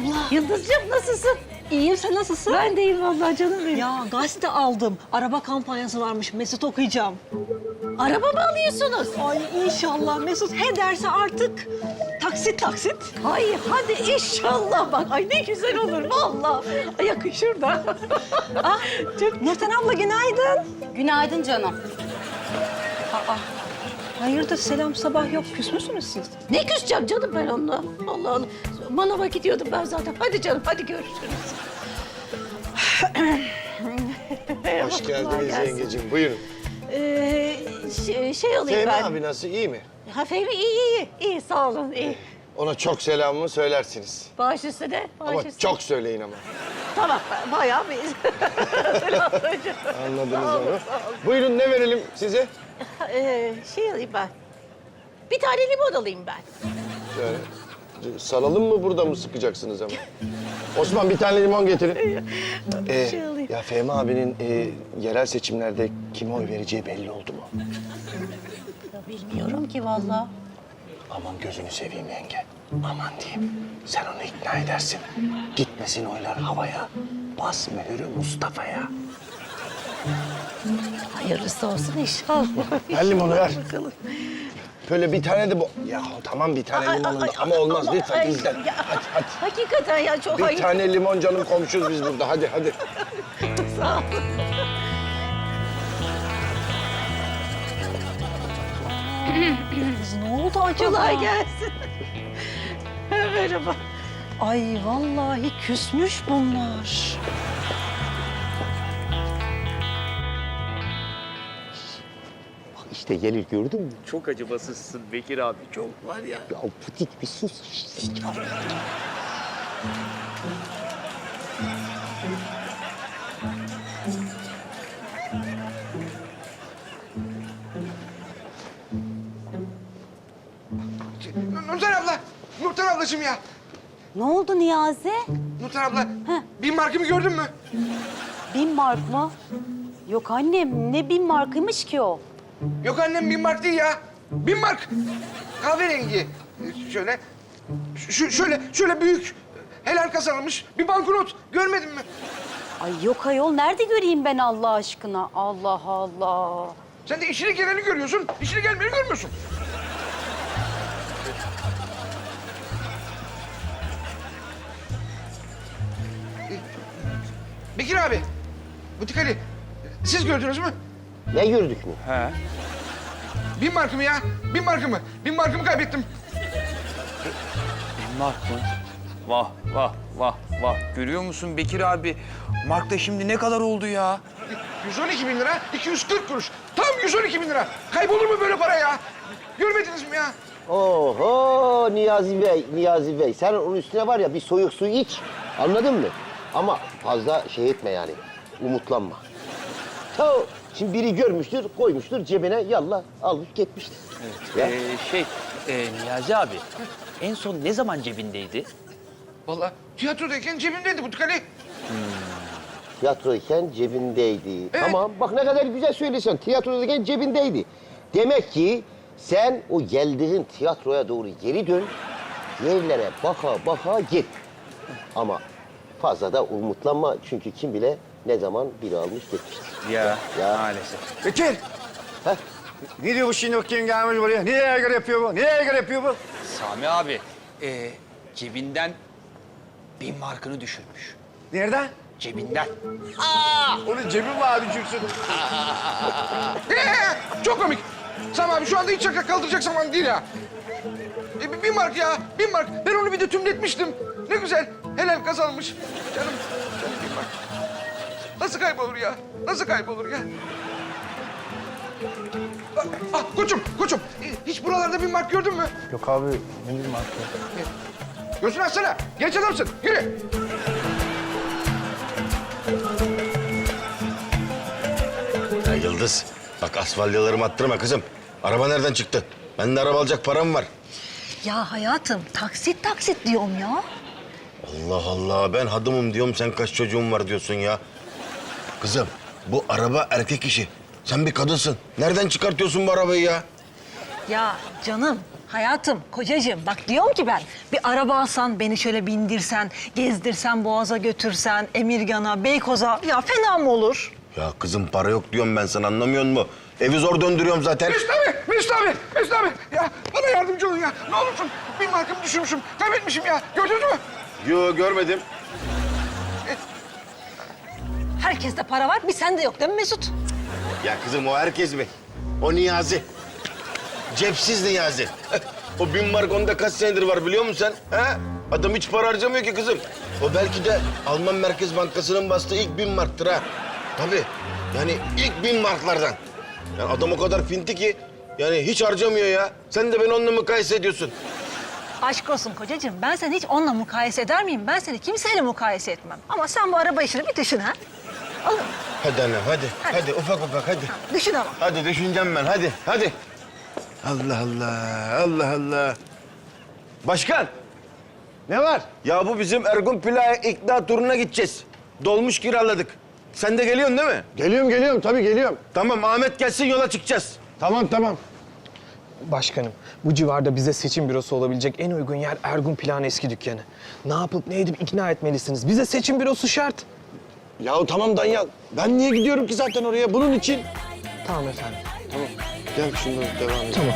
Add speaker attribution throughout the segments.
Speaker 1: abla.
Speaker 2: Yıldızcığım nasılsın?
Speaker 1: İyiyim, sen nasılsın?
Speaker 2: Ben de iyiyim vallahi canım benim.
Speaker 1: Ya gazete aldım. Araba kampanyası varmış. Mesut okuyacağım.
Speaker 2: Araba mı alıyorsunuz?
Speaker 1: Ay inşallah Mesut he derse artık taksit taksit.
Speaker 2: Ay hadi inşallah bak. Ay ne güzel olur vallahi. Ay yakışır da.
Speaker 1: Ah, Nurten abla günaydın.
Speaker 3: Günaydın canım.
Speaker 1: Hayırdır selam sabah yok. Küs müsünüz siz?
Speaker 2: Ne küseceğim canım ben onunla. Allah Allah. Manava gidiyordum ben zaten. Hadi canım hadi görüşürüz.
Speaker 4: Hoş
Speaker 2: Kolay
Speaker 4: geldiniz
Speaker 2: gelsin.
Speaker 4: yengeciğim. Buyurun.
Speaker 2: Şey alayım
Speaker 4: Fehmi
Speaker 2: ben.
Speaker 4: abi nasıl? İyi mi?
Speaker 2: Ha Fehmi iyi. İyi sağ olun iyi.
Speaker 4: Ona çok selamımı söylersiniz.
Speaker 2: Baş üstüne. Baş
Speaker 4: Ama
Speaker 2: üstüne.
Speaker 4: çok söyleyin ama.
Speaker 2: Tamam bayağı bir selam söyleyeceğim.
Speaker 4: Anladınız
Speaker 2: Sağ olun,
Speaker 4: onu.
Speaker 2: sağ olun.
Speaker 4: Buyurun ne verelim size?
Speaker 2: Şey alayım ben. Bir tane limon alayım ben.
Speaker 4: Şöyle. Salalım mı burada mı sıkacaksınız ama? Osman bir tane limon getirin.
Speaker 2: Şey alayım.
Speaker 4: Ya Fehmi abinin yerel seçimlerde kime oy vereceği belli oldu mu?
Speaker 2: Ya bilmiyorum ki vallahi.
Speaker 4: Aman gözünü seveyim yenge. Aman diyeyim. Sen onu ikna edersin. Gitmesin oylar havaya. Bas mühürü Mustafa'ya.
Speaker 2: Hayırlısı olsun inşallah.
Speaker 4: Ver limonu ver.
Speaker 2: Bakalım.
Speaker 4: Böyle bir tane de bu... Ya tamam bir tane limonun da ama olmaz lütfen
Speaker 2: Ay,
Speaker 4: bizden.
Speaker 2: ya,
Speaker 4: Hadi hadi.
Speaker 2: Hakikaten ya çok
Speaker 4: Bir
Speaker 2: hayır.
Speaker 4: tane limon canım komşuyuz biz burada. Hadi hadi.
Speaker 2: Sağ ol.
Speaker 1: Kız ne oldu acaba?
Speaker 2: Kolay gelsin. Merhaba.
Speaker 1: Ay vallahi küsmüş bunlar.
Speaker 5: İşte gelir gördün mü?
Speaker 6: Çok acımasızsın Bekir abi. Çok var ya.
Speaker 5: Ya Putik bir sus işte.
Speaker 7: Nurten abla, Nurten ablacığım ya.
Speaker 3: Ne oldu Niyazi?
Speaker 7: Nurten abla, bin markımı gördün mü?
Speaker 3: 1000 mark mı? Yok annem, ne 1000 markıymış ki o?
Speaker 7: Yok annem bin mark değil ya. 1000 mark. Kahverengi. Şöyle, şöyle büyük. Helal kazanılmış bir banknot. Görmedin mi?
Speaker 3: Ay yok ayol, nerede göreyim ben Allah aşkına? Allah Allah.
Speaker 7: Sen de işini geleni görüyorsun, işini gelmeyeni görmüyorsun. Bekir abi, Butik Ali, siz gördünüz mü?
Speaker 5: Ne gördük mü?
Speaker 7: 1000 markımı ya, 1000 markımı. 1000 markımı kaybettim.
Speaker 6: Mark mı? Vah vah vah vah. Görüyor musun Bekir abi? Mark da şimdi ne kadar oldu ya?
Speaker 7: 112 bin lira, 240 kuruş. Tam 112 bin lira. Kaybolur mu böyle para ya? Görmediniz mi ya?
Speaker 5: Oho Niyazi Bey, Niyazi Bey. Sen onun üstüne var ya bir soyuk su iç. Anladın mı? Ama fazla şey etme yani. Umutlanma. Ta şimdi biri görmüştür, koymuştur cebine yallah alıp gitmiştir. Ya.
Speaker 6: Niyazi abi. En son ne zaman cebindeydi?
Speaker 7: Vallahi tiyatrodayken cebimdeydi Butik Ali.
Speaker 5: Tiyatrodayken cebindeydi. Tamam bak ne kadar güzel söylesen. Tiyatrodayken cebindeydi. Demek ki sen o geldiğin tiyatroya doğru geri dön. Yerlere baka baka git. Ama fazla da umutlanma çünkü kim bile ne zaman biri almış gitmiştir.
Speaker 6: Ya,
Speaker 5: Ya.
Speaker 6: maalesef.
Speaker 8: Bekir!
Speaker 5: Heh.
Speaker 8: Ne diyor bu şimdi kim gelmiş buraya? Niye yaygır yapıyor bu? Niye yaygır yapıyor bu?
Speaker 6: Sami abi, cebinden 1000 markını düşürmüş.
Speaker 8: Nereden?
Speaker 6: Cebinden.
Speaker 8: Onun cebi var düşürsün.
Speaker 7: Çok komik. Sami abi şu anda hiç şaka kaldıracak zaman değil ya. 1000 mark ya, 1000 mark. Ben onu bir de tümletmiştim. Ne güzel, helal kazanmış. Canım, canım 1000 mark. Nasıl kaybolur ya? Nasıl kaybolur ya? Koçum. Hiç buralarda 1000 mark gördün mü?
Speaker 4: Yok abi ne bileyim artık.
Speaker 7: Gözünü açsana. Genç adamsın. Yürü.
Speaker 4: Ya Yıldız bak asfalyalarımı attırma kızım. Araba nereden çıktı? Bende araba alacak param var.
Speaker 1: Ya hayatım taksit taksit diyorum ya.
Speaker 4: Allah Allah ben hadımım diyorum sen kaç çocuğun var diyorsun ya. Kızım bu araba erkek işi. Sen bir kadınsın. Nereden çıkartıyorsun bu arabayı ya?
Speaker 1: Ya canım Hayatım, kocacığım bak diyorum ki ben bir araba alsan, beni şöyle bindirsen, gezdirsen, Boğaz'a götürsen, Emirgan'a, Beykoz'a ya fena mı olur?
Speaker 5: Ya kızım para yok diyorum ben sana anlamıyor musun? Evi zor döndürüyorum zaten.
Speaker 7: Mesut abi. Ya bana yardımcı olun ya. Ne olursun. 1000 markamı düşürmüşüm. Kaybetmişim ya. Gördünüz mü?
Speaker 5: Yo görmedim.
Speaker 1: Herkeste para var, bir sende yok değil mi Mesut?
Speaker 5: Ya kızım o herkes mi? O Niyazi. Cepsiz Niyazi. O 1000 mark onda kaç senedir var biliyor musun sen? He? Adam hiç para harcamıyor ki kızım. O belki de Alman Merkez Bankası'nın bastığı ilk 1000 marktır ha. Tabii. Yani ilk 1000 marklardan. Yani adam o kadar finti ki yani hiç harcamıyor ya. Sen de beni onunla mukayese ediyorsun.
Speaker 1: Aşk olsun kocacığım, ben seni hiç onunla mukayese eder miyim? Ben seni kimseyle mukayese etmem. Ama sen bu araba işini bir düşün ha. Alın,
Speaker 5: Hadi anne hadi. Hadi ufak hadi.
Speaker 1: düşün ama.
Speaker 5: Hadi düşüneceğim ben hadi. Allah Allah. Başkan. Ne var? Ya bu bizim Ergun Plak'a ikna turuna gideceğiz. Dolmuş kiraladık. Sen de geliyorsun değil mi?
Speaker 9: Geliyorum tabii geliyorum.
Speaker 5: Tamam Ahmet gelsin yola çıkacağız.
Speaker 9: Tamam.
Speaker 10: Başkanım, bu civarda bize seçim bürosu olabilecek en uygun yer Ergun Plak'ın eski dükkanı. Ne yapıp ne edip ikna etmelisiniz. Bize seçim bürosu şart.
Speaker 9: Ya tamam Danyal. Ben niye gidiyorum ki zaten oraya? Bunun için.
Speaker 10: Tamam efendim.
Speaker 9: Gel şundan devam edelim.
Speaker 10: Tamam.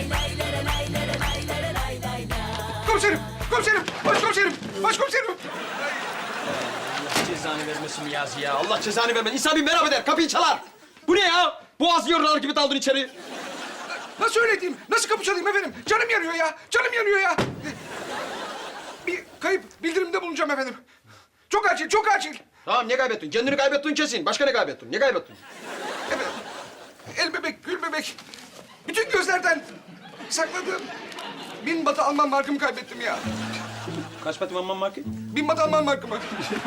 Speaker 7: Başkomiserim.
Speaker 11: Cezanı vermesin Niyazi ya. Allah cezanı vermesin. İnsan bir merhaba der, kapıyı çalar. Bu ne ya? Boğaz yorulur gibi daldın içeri.
Speaker 7: Nasıl öyle diyeyim? Nasıl kapı çalayım efendim? Canım yanıyor ya. Bir kayıp bildirimde bulunacağım efendim. Çok acil.
Speaker 11: Tamam, ne kaybettin? Kendini kaybettin kesin. Başka ne kaybettin? Ne kaybettin?
Speaker 7: Efendim, el bebek, gül bebek. Bütün gözlerden sakladığım 1000 batı Alman markımı kaybettim ya.
Speaker 11: Kaç patim Alman markı?
Speaker 7: 1000 batı Alman markımı.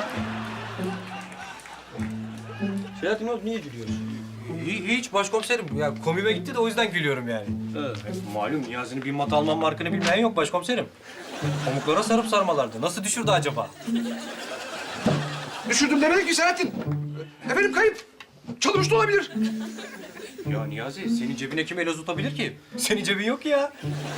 Speaker 11: Selahattin ne oldu? Niye gülüyorsun?
Speaker 12: Hiç başkomiserim. Ya komiğime gitti de o yüzden gülüyorum yani. Malum Niyazi'nin bir mat Alman markını bilmeyen yok başkomiserim. Pamuklara sarıp sarmalardı. Nasıl düşürdü acaba?
Speaker 7: Düşürdüm demedim ki Selahattin. Efendim kayıp. Çalınmış da olabilir.
Speaker 12: Ya Niyazi senin cebine kim el tutabilir ki? Senin cebin yok ya.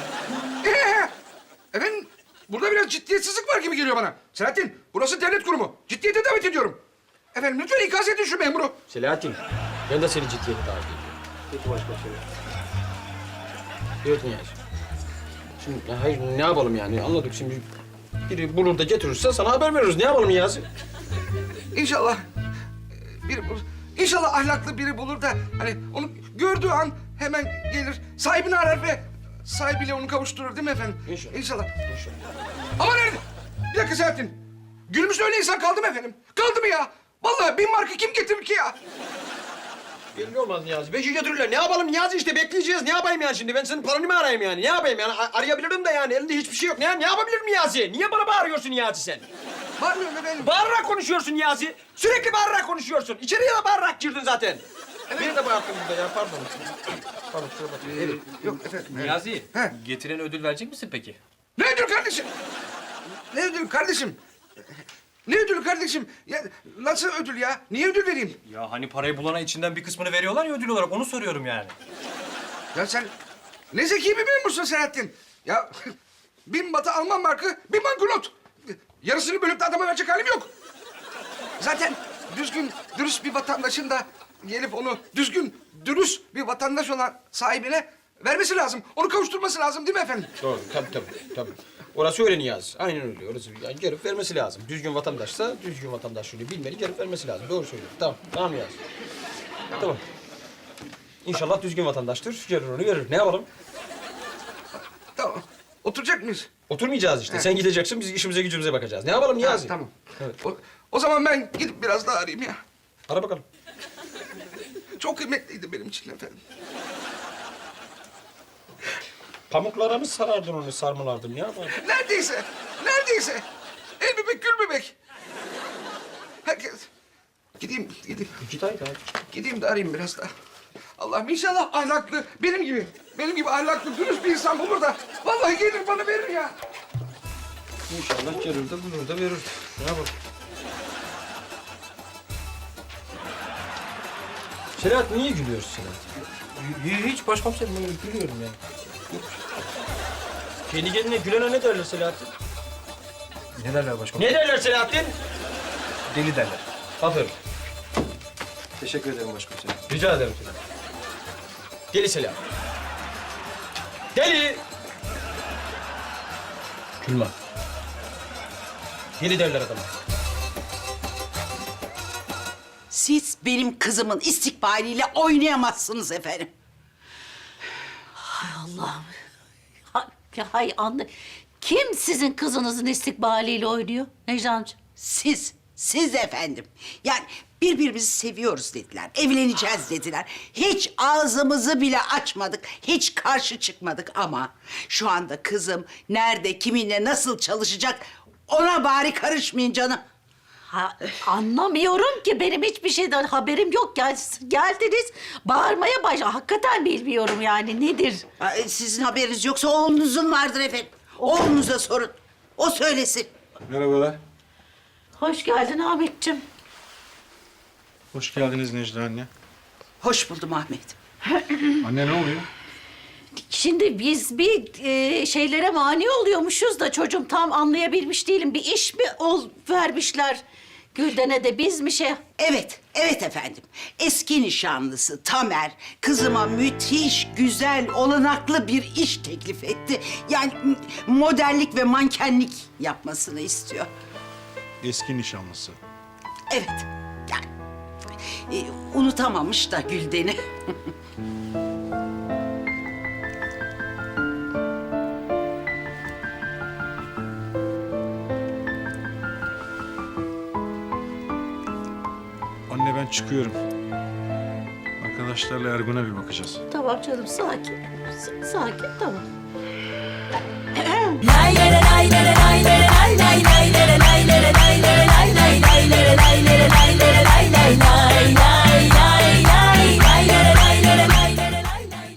Speaker 7: Efendim, burada biraz ciddiyetsizlik var gibi geliyor bana. Selahattin, burası devlet kurumu. Ciddiyete davet ediyorum. Efendim, lütfen ikaz edin şu memuru.
Speaker 11: Selahattin, ben de seni ciddiyete davet ediyorum. Peki başkomiserim. Evet Niyazi. Şimdi hayır ne yapalım yani anladık şimdi. Biri bulur da getirirse sana haber veririz. Ne yapalım Niyazi?
Speaker 7: İnşallah biri bulur. İnşallah ahlaklı biri bulur da hani onu gördüğü an hemen gelir. Sahibini arar ve sahibiyle onu kavuşturur değil mi efendim? İnşallah. Ama nerede? Bir dakika Selahattin. Günümüzde öyle insan kaldı mı efendim? Kaldı mı ya? Vallahi 1000 markı kim getirir ki ya?
Speaker 11: Belli olmaz Niyazi. Beşi götürürler. Ne yapalım Niyazi işte bekleyeceğiz. Ne yapayım yani şimdi? Ben senin paranı mı arayayım yani? Ne yapayım yani? Arayabilirim de yani. Elinde hiçbir şey yok. Ne yapabilirim Niyazi? Niye bana bağırıyorsun Niyazi sen?
Speaker 7: Bağırmıyorum efendim.
Speaker 11: Bağırarak konuşuyorsun Niyazi. Sürekli bağırarak konuşuyorsun. İçeriye de bağırarak girdin zaten. Beni de bağırttın burada ya. Pardon. Pardon kusura bakma. Evet.
Speaker 7: Yok efendim.
Speaker 12: Niyazi
Speaker 7: He.
Speaker 12: getiren ödül verecek misin peki?
Speaker 7: Ne ödül kardeşim? Ne ödül kardeşim? Ne ödülü kardeşim? Ya nasıl ödül ya? Niye ödül vereyim?
Speaker 12: Ya hani parayı bulana içinden bir kısmını veriyorlar ya ödül olarak onu soruyorum yani.
Speaker 7: Ya sen ne zeki bir memursun Selahattin. Ya 1000 batı Alman markı, 1 banknot. Yarısını bölüp de adama verecek halim yok. Zaten düzgün, dürüst bir vatandaşın da gelip onu dürüst bir vatandaş olan sahibine vermesi lazım. Onu kavuşturması lazım değil mi efendim?
Speaker 11: Doğru. Tabii. Orası öyle Niyazi. Aynen öyle. Orası yani gelip vermesi lazım. Düzgün vatandaşsa düzgün vatandaşlığını bilmeli, gelip vermesi lazım. Doğru söylüyorsun. Tamam Niyazi. Tamam. İnşallah düzgün vatandaştır. Gelir onu verir. Ne yapalım?
Speaker 7: Tamam. Oturacak mıyız?
Speaker 11: Oturmayacağız işte. Sen gideceksin, biz işimize gücümüze bakacağız. Ne yapalım Niyazi?
Speaker 7: Tamam.
Speaker 11: Evet.
Speaker 7: O zaman ben gidip biraz daha arayayım ya.
Speaker 11: Ara bakalım.
Speaker 7: Çok kıymetliydi benim için efendim.
Speaker 11: Pamuklara mı sarardın onu, sarmalardın? Ne yapardın?
Speaker 7: Neredeyse. El bebek, gül bebek. Herkes. Gideyim.
Speaker 11: Git haydi.
Speaker 7: Gideyim de arayayım biraz daha. Allah'ım inşallah ahlaklı, benim gibi ahlaklı, dürüst bir insan bulur da vallahi gelir bana verir ya.
Speaker 11: İnşallah gelir de bulur da verir. Ne yapalım? Selahattin niye gülüyorsun Selahattin?
Speaker 12: Hiç başkomiserim öyle gülüyorum yani.
Speaker 11: Kendi kendine gülene ne derler Selahattin?
Speaker 12: Ne derler başkomiserim?
Speaker 11: Ne derler Selahattin?
Speaker 12: Deli derler.
Speaker 11: Aferin.
Speaker 12: Teşekkür ederim başkomiserim.
Speaker 11: Rica ederim Selahattin. Deli Selahattin. Deli! Gülme. Deli derler adama.
Speaker 13: Siz benim kızımın istikbaliyle oynayamazsınız efendim.
Speaker 2: Allah'ım. Hay anne. Kim sizin kızınızın istikbaliyle oynuyor Necla'cığım?
Speaker 13: Siz efendim. Yani birbirimizi seviyoruz dediler, evleneceğiz dediler. Hiç ağzımızı bile açmadık, hiç karşı çıkmadık ama şu anda kızım nerede, kiminle, nasıl çalışacak ona bari karışmayın canım.
Speaker 2: Ha, anlamıyorum ki benim hiçbir şeyden haberim yok. Geldiniz bağırmaya hakikaten bilmiyorum yani nedir?
Speaker 13: Sizin haberiniz yoksa oğlunuzun vardır efendim. Oğlunuza sorun, o söylesin.
Speaker 8: Merhabalar.
Speaker 2: Hoş geldin Ahmetciğim.
Speaker 8: Hoş geldiniz Necla anne.
Speaker 13: Hoş buldum Ahmet.
Speaker 8: Anne ne oluyor?
Speaker 2: Şimdi biz bir şeylere mani oluyormuşuz da çocuğum tam anlayabilmiş değilim. Bir iş mi vermişler Gülden'e de biz mi şey...
Speaker 13: Evet efendim. Eski nişanlısı Tamer kızıma müthiş, güzel, olanaklı bir iş teklif etti. Yani modellik ve mankenlik yapmasını istiyor.
Speaker 8: Eski nişanlısı.
Speaker 13: Evet. Yani unutamamış da Gülden'i.
Speaker 8: Anne ben çıkıyorum. Arkadaşlarla Ergun'a bir bakacağız.
Speaker 2: Tamam canım sakin. Sakin tamam.
Speaker 3: Lay lay